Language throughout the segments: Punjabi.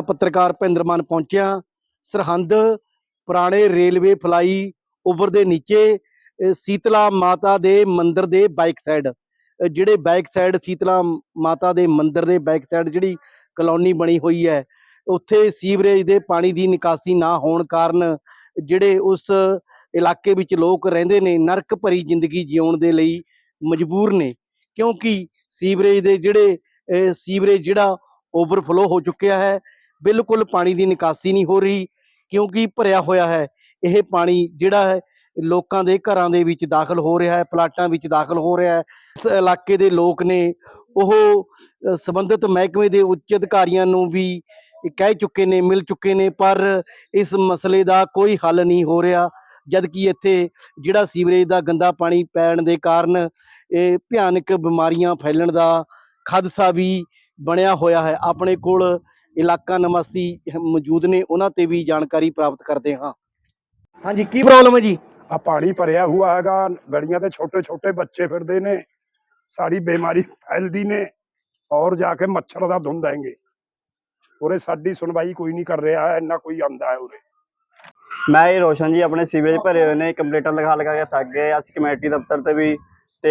पत्रकार भुपिंदर मान पहुंचिया सरहंद पुराने रेलवे फलाई ओवर दे नीचे शीतला माता दे मंदिर दे बैक साइड ਜਿਹੜੇ बैक साइड शीतला माता दे मंदिर दे बैक साइड ਜਿਹੜੀ ਕਲੋਨੀ ਬਣੀ ਹੋਈ ਹੈ ਉੱਥੇ ਸੀਵਰੇਜ ਦੇ ਪਾਣੀ ਦੀ ਨਿਕਾਸੀ ਨਾ ਹੋਣ ਕਾਰਨ ਜਿਹੜੇ ਉਸ ਇਲਾਕੇ ਵਿੱਚ ਲੋਕ ਰਹਿੰਦੇ ਨੇ ਨਰਕ ਭਰੀ ਜ਼ਿੰਦਗੀ ਜਿਉਣ ਦੇ ਲਈ ਮਜਬੂਰ ਨੇ ਕਿਉਂਕਿ ਸੀਵਰੇਜ ਦੇ ਜਿਹੜੇ ਸੀਵਰੇਜ ਜਿਹੜਾ ਓਵਰਫਲੋ ਹੋ ਚੁੱਕਿਆ ਹੈ ਬਿਲਕੁਲ ਪਾਣੀ ਦੀ ਨਿਕਾਸੀ ਨਹੀਂ ਹੋ ਰਹੀ ਕਿਉਂਕਿ ਭਰਿਆ ਹੋਇਆ ਹੈ ਇਹ ਪਾਣੀ ਜਿਹੜਾ ਹੈ ਲੋਕਾਂ ਦੇ ਘਰਾਂ ਦੇ ਵਿੱਚ ਦਾਖਲ ਹੋ ਰਿਹਾ ਹੈ ਪਲਾਟਾਂ ਵਿੱਚ ਦਾਖਲ ਹੋ ਰਿਹਾ ਹੈ ਇਸ ਇਲਾਕੇ ਦੇ ਲੋਕ ਨੇ ਉਹ ਸੰਬੰਧਿਤ ਮਹਿਕਮੇ ਦੇ ਉੱਚ ਅਧਿਕਾਰੀਆਂ ਨੂੰ ਵੀ ਕਹਿ ਚੁੱਕੇ ਨੇ ਮਿਲ ਚੁੱਕੇ ਨੇ ਪਰ ਇਸ ਮਸਲੇ ਦਾ ਕੋਈ ਹੱਲ ਨਹੀਂ ਹੋ ਰਿਹਾ ਜਦ ਕਿ ਇੱਥੇ ਜਿਹੜਾ ਸੀਵਰੇਜ ਦਾ ਗੰਦਾ ਪਾਣੀ ਪੈਣ ਦੇ ਕਾਰਨ ਇਹ ਭਿਆਨਕ ਬਿਮਾਰੀਆਂ ਫੈਲਣ ਦਾ ਖਦਸ਼ਾ ਵੀ ਬਣਿਆ ਹੋਇਆ ਹੈ ਆਪਣੇ ਕੋਲ ਇਲਾਕਾ ਨਿਵਾਸੀ ਮੌਜੂਦ ਨੇ ਉਹਨਾਂ ਤੇ ਵੀ ਜਾਣਕਾਰੀ ਪ੍ਰਾਪਤ ਕਰਦੇ ਹਾਂ ਹਾਂਜੀ ਕੀ ਪ੍ਰੋਬਲਮ ਹੈ ਜੀ आ पानी भरिया हुआ हैगा गलियां ते छोटे छोटे बच्चे फिरदे ने सारी बीमारी फैलदी ने और जाके मच्छर दा धुंध देंगे उरे साडी सुनवाई कोई नहीं कर रहा है ना कोई आंदा है उरे मैं ये रोशन जी अपने सीवरेज भरे हुए ने कंप्लेंटर लगा के थक गए अस कमेटी दफ्तर ते भी ते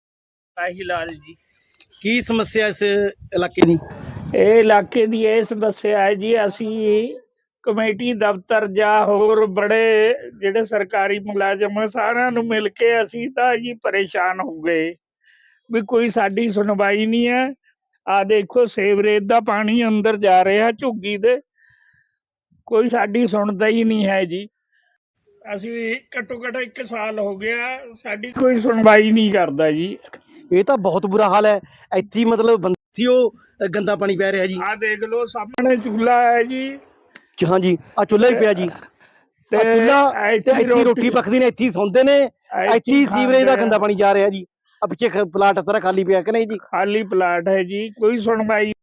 लाल जी ਕੀ ਸਮੱਸਿਆ ਇਸ ਇਲਾਕੇ ਦੀ ਇਹ ਇਲਾਕੇ ਦੀ ਇਹ ਸਮੱਸਿਆ ਹੈ ਜੀ ਅਸੀਂ ਕਮੇਟੀ ਦਫ਼ਤਰ ਜਾਂ ਹੋਰ ਬੜੇ ਜਿਹੜੇ ਸਰਕਾਰੀ ਮੁਲਾਜ਼ਮ ਸਾਰਿਆਂ ਨੂੰ ਮਿਲ ਕੇ ਅਸੀਂ ਤਾਂ ਜੀ ਪਰੇਸ਼ਾਨ ਹੋ ਗਏ ਵੀ ਕੋਈ ਸਾਡੀ ਸੁਣਵਾਈ ਨਹੀਂ ਹੈ ਆ ਦੇਖੋ ਸੀਵਰੇਜ ਦਾ ਪਾਣੀ ਅੰਦਰ ਜਾ ਰਿਹਾ ਝੁੱਗੀ ਦੇ ਕੋਈ ਸਾਡੀ ਸੁਣਦਾ ਹੀ ਨਹੀਂ ਹੈ ਜੀ ਅਸੀਂ ਘੱਟੋ ਘੱਟ 1 ਸਾਲ ਹੋ ਗਿਆ ਸਾਡੀ ਕੋਈ ਸੁਣਵਾਈ ਨਹੀਂ ਕਰਦਾ ਜੀ ਇਹ ਤਾਂ ਬਹੁਤ ਬੁਰਾ ਹਾਲ ਹੈ ਇੱਥੇ ਮਤਲਬ ਬੰਦੀ ਉਹ ਗੰਦਾ ਪਾਣੀ ਪੈ ਰਿਹਾ ਜੀ ਆ ਦੇਖ ਲਓ ਸਾਹਮਣੇ ਚੁੱਲ੍ਹਾ ਹੈ ਜੀ ਹਾਂਜੀ ਆ ਚੁੱਲ੍ਹਾ ਹੀ ਪਿਆ ਜੀ ਤੇ ਚੁੱਲ੍ਹਾ ਇੱਥੇ ਰੋਟੀ ਪੱਕਦੀ ਨੇ ਇੱਥੇ ਸੌਂਦੇ ਨੇ ਇੱਥੇ ਸੀਵਰੇਜ ਦਾ ਗੰਦਾ ਪਾਣੀ ਜਾ ਰਿਹਾ ਜੀ ਆ ਪਿੱਛੇ ਪਲਾਟ ਸਾਰਾ ਖਾਲੀ ਪਿਆ ਕਿ ਨਹੀਂ ਜੀ ਖਾਲੀ ਪਲਾਟ ਹੈ ਜੀ ਕੋਈ ਸੁਣਵਾਈ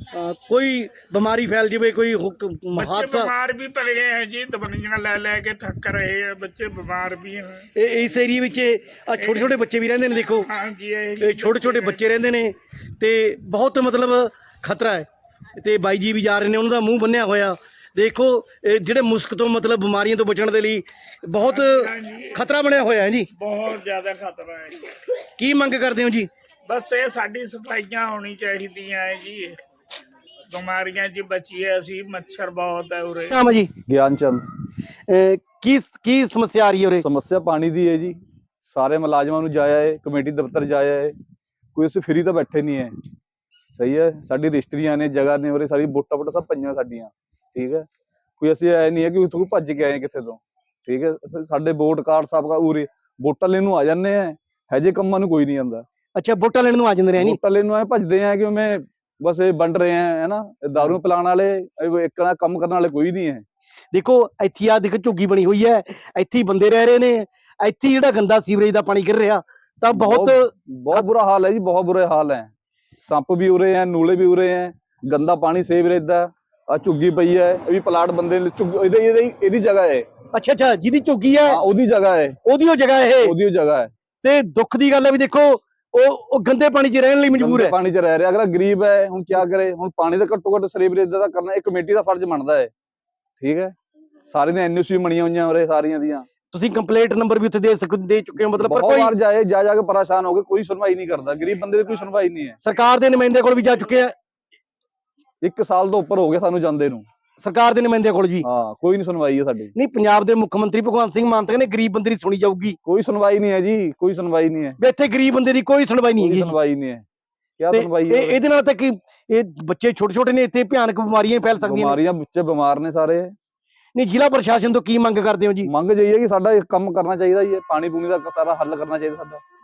ਕੋਈ ਬਿਮਾਰੀ ਫੈਲ ਜਾਵੇ ਕੋਈ ਹਾਦਸਾ ਬਿਮਾਰ ਵੀ ਪੈ ਗਏ ਹੈ ਜੀ ਦਵਾਈਆਂ ਲੈ ਕੇ ਥੱਕ ਰਹੇ ਆ ਬੱਚੇ ਬਿਮਾਰ ਵੀ ਹੈ ਇਸ ਏਰੀਏ ਵਿੱਚ ਆ ਛੋਟੇ ਛੋਟੇ ਬੱਚੇ ਵੀ ਰਹਿੰਦੇ ਨੇ ਦੇਖੋ ਹਾਂਜੀ ਇਹ ਛੋਟੇ ਛੋਟੇ ਬੱਚੇ ਰਹਿੰਦੇ ਨੇ ਤੇ ਬਹੁਤ ਮਤਲਬ ਖਤਰਾ ਹੈ ਤੇ ਬਾਈ ਜੀ ਵੀ ਜਾ ਰਹੇ ਨੇ ਉਹਨਾਂ ਦਾ ਮੂੰਹ ਬੰਨਿਆ ਹੋਇਆ ਦੇਖੋ ਜਿਹੜੇ ਮੁਸ਼ਕ ਤੋਂ ਮਤਲਬ ਬਿਮਾਰੀਆਂ ਤੋਂ ਬਚਣ ਦੇ ਲਈ ਬਹੁਤ ਖਤਰਾ ਬਣਿਆ ਹੋਇਆ ਹੈ ਜੀ ਬਹੁਤ ਜ਼ਿਆਦਾ ਖਤਰਾ ਹੈ ਕੀ ਮੰਗ ਕਰਦੇ ਹੋ ਜੀ ਬਸ ਇਹ ਸਾਡੀ ਸਫਾਈਆਂ ਹੋਣੀ ਚਾਹੀਦੀਆਂ ਹੈ ਜੀ ਬਿਮਾਰੀਆਂ ਜੀ ਬਚੀਏ ਅਸੀਂ ਮੱਛਰ ਬਹੁਤ ਹੈ ਉਰੇ ਨਾਮ ਹੈ ਜੀ ज्ञानचंद ਕੀ ਸਮੱਸਿਆ ਆ ਰਹੀ ਹੈ ਉਰੇ समस्या पानी दी है जी सारे मुलाजमान ਨੂੰ ਜਾਇਆ ਹੈ ਕਮੇਟੀ ਦਫ਼ਤਰ ਜਾਇਆ ਹੈ ਕੋਈ ਅਸੀਂ ਫਰੀ ਤਾਂ ਬੈਠੇ ਨਹੀਂ ਹੈ ਸਹੀ ਹੈ ਸਾਡੀ ਰਜਿਸਟਰੀਆਂ ਨੇ ਜਗ੍ਹਾ ਨੇ ਉਰੇ ਸਾਰੀ ਵੋਟਾਂ ਸਭ ਪਈਆਂ ਸਾਡੀਆਂ ਠੀਕ ਹੈ ਕੋਈ ਅਸੀਂ ਐ ਨਹੀਂ ਹੈ ਕਿ ਉੱਥੋਂ ਭੱਜ ਕੇ ਆਏ ਕਿਸੇ ਤੋਂ ਠੀਕ ਹੈ ਸਾਡੇ ਵੋਟ ਕਾਰਡ ਸਭ ਉਰੇ ਵੋਟਾਂ ਲੈਣ ਨੂੰ ਆ ਜਾਂਦੇ ਆ ਹਜੇ ਕੰਮਾਂ ਨੂੰ ਕੋਈ ਨਹੀਂ ਆਉਂਦਾ ਅੱਛਾ ਵੋਟਾਂ ਲੈਣ ਨੂੰ ਆ ਜਾਂਦੇ ਨੇ ਨਹੀਂ ਵੋਟਾਂ ਲੈਣ ਨੂੰ ਐ ਭੱਜਦੇ ਆ ਕਿ ਮੈਂ ਬਸ ਇਹ ਵੰਡ ਰਹੇ ਆ ਹੈ ਨਾ ਦਾਰੂ ਪਿਲਾਉਣ ਵਾਲੇ ਇੱਕ ਨਾ ਕੰਮ ਕਰਨ ਵਾਲੇ ਕੋਈ ਨਹੀਂ ਹੈ ਦੇਖੋ ਇੱਥੇ ਆ ਦੇਖ ਝੁੱਗੀ ਬਣੀ ਹੋਈ ਹੈ ਇੱਥੇ ਹੀ ਬੰਦੇ ਰਹਿ ਰਹੇ ਨੇ ਇੱਥੇ ਜਿਹੜਾ ਗੰਦਾ ਸੀਵਰੇਜ ਦਾ ਪਾਣੀ ਗਿਰ ਰਿਹਾ ਤਾਂ ਬਹੁਤ ਬੁਰਾ ਹਾਲ ਹੈ ਜੀ ਬਹੁਤ ਬੁਰੇ ਹਾਲ ਹੈ ਸੱਪ ਵੀ ਉਰੇ ਹੈ ਨੂਲੇ ਵੀ ਉਰੇ ਹੈ ਗੰਦਾ ਪਾਣੀ ਸੀਵਰੇਜ ਦਾ ਆ ਝੁੱਗੀ ਪਈ ਹੈ ਇਹ ਵੀ ਪਲਾਟ ਬੰਦੇ ਇਹਦੀ ਜਗ੍ਹਾ ਹੈ ਅੱਛਾ ਅੱਛਾ ਜਿਹਦੀ ਝੁੱਗੀ ਹੈ ਉਹਦੀ ਜਗ੍ਹਾ ਹੈ ਉਹਦੀ ਉਹ ਜਗ੍ਹਾ ਉਹਦੀ ਉਹ ਜਗ੍ਹਾ ਹੈ ਤੇ ਦੁੱਖ ਦੀ ਗੱਲ ਹੈ ਵੀ ਦੇਖੋ ਉਹ ਗੰਦੇ ਪਾਣੀ 'ਚ ਰਹਿਣ ਲਈ ਮਜਬੂਰ ਹੈ ਪਾਣੀ 'ਚ ਰਹਿ ਰਿਹਾ ਅਗਲਾ ਗਰੀਬ ਹੈ ਹੁਣ ਕੀ ਕਰੇ ਹੁਣ ਪਾਣੀ ਦਾ ਘੱਟੋ ਘੱਟ ਸੀਵਰੇਜ ਦਾ ਕਰਨਾ ਇਹ ਕਮੇਟੀ ਦਾ ਫਰਜ਼ ਬਣਦਾ ਹੈ ਠੀਕ ਹੈ ਸਾਰੇ ਦੀਆਂ ਐਨਓਸੀ ਬਣੀਆਂ ਹੋਈਆਂ ਉਰੇ ਸਾਰੀਆਂ ਦੀਆਂ ਤੁਸੀਂ ਕੰਪਲੇਂਟ ਨੰਬਰ ਵੀ ਉੱਥੇ ਦੇ ਚੁੱਕੇ ਹੋ ਮਤਲਬ ਪਰ ਕੋਈ ਵਾਰ ਜਾ ਕੇ ਪਰੇਸ਼ਾਨ ਹੋ ਗਏ ਕੋਈ ਸੁਣਵਾਈ ਨਹੀਂ ਕਰਦਾ ਗਰੀਬ ਬੰਦੇ ਦੀ ਕੋਈ ਸੁਣਵਾਈ ਨਹੀਂ ਹੈ ਸਰਕਾਰ ਦੇ ਨੁਮਾਇੰਦੇ ਕੋਲ ਵੀ ਜਾ ਚੁੱਕੇ ਆ 1 ਸਾਲ ਤੋਂ ਉੱਪਰ ਹੋ ਗਿਆ ਸਾਨੂੰ ਜਾਂਦੇ ਨੂੰ ਸਰਕਾਰ ਦੇ ਨੁਮਾਇੰਦੇ ਕੋਲ ਜੀ ਹਾਂ ਕੋਈ ਨਹੀਂ ਸੁਣਵਾਈ ਹੈ ਸਾਡੀ ਨਹੀਂ ਪੰਜਾਬ ਦੇ ਮੁੱਖ ਮੰਤਰੀ ਭਗਵੰਤ ਸਿੰਘ ਮਾਨ ਕਹਿੰਦੇ ਗਰੀਬ ਬੰਦੇ ਦੀ ਸੁਣੀ ਜਾਊਗੀ ਕੋਈ ਸੁਣਵਾਈ ਨਹੀਂ ਹੈ ਜੀ ਕੋਈ ਸੁਣਵਾਈ ਨਹੀਂ ਹੈ ਇੱਥੇ ਗਰੀਬ ਬੰਦੇ ਦੀ ਕੋਈ ਸੁਣਵਾਈ ਨਹੀਂ ਹੈਗੀ ਸੁਣਵਾਈ ਨਹੀਂ ਹੈ ਕੀ ਸੁਣਵਾਈ ਹੈ ਇਹਦੇ ਨਾਲ ਤਾਂ ਕਿ ਇਹ ਬੱਚੇ ਛੋਟੇ ਛੋਟੇ ਨੇ ਇੱਥੇ ਭਿਆਨਕ ਬਿਮਾਰੀਆਂ ਫੈਲ ਸਕਦੀਆਂ ਨੇ ਬਿਮਾਰੀਆਂ ਬੱਚੇ ਬਿਮਾਰ ਨੇ ਸਾਰੇ ਨਹੀਂ ਜ਼ਿਲ੍ਹਾ ਪ੍ਰਸ਼ਾਸਨ ਤੋਂ ਕੀ ਮੰਗ ਕਰਦੇ ਹੋ ਜੀ ਮੰਗ ਜਾਈਏ ਕਿ ਸਾਡਾ ਕੰਮ ਕਰਨਾ ਚਾਹੀਦਾ ਜੀ ਪਾਣੀ ਪੂਣੀ ਦਾ ਸਾਰਾ ਹੱਲ ਕਰਨਾ ਚਾਹੀਦਾ ਸਾਡਾ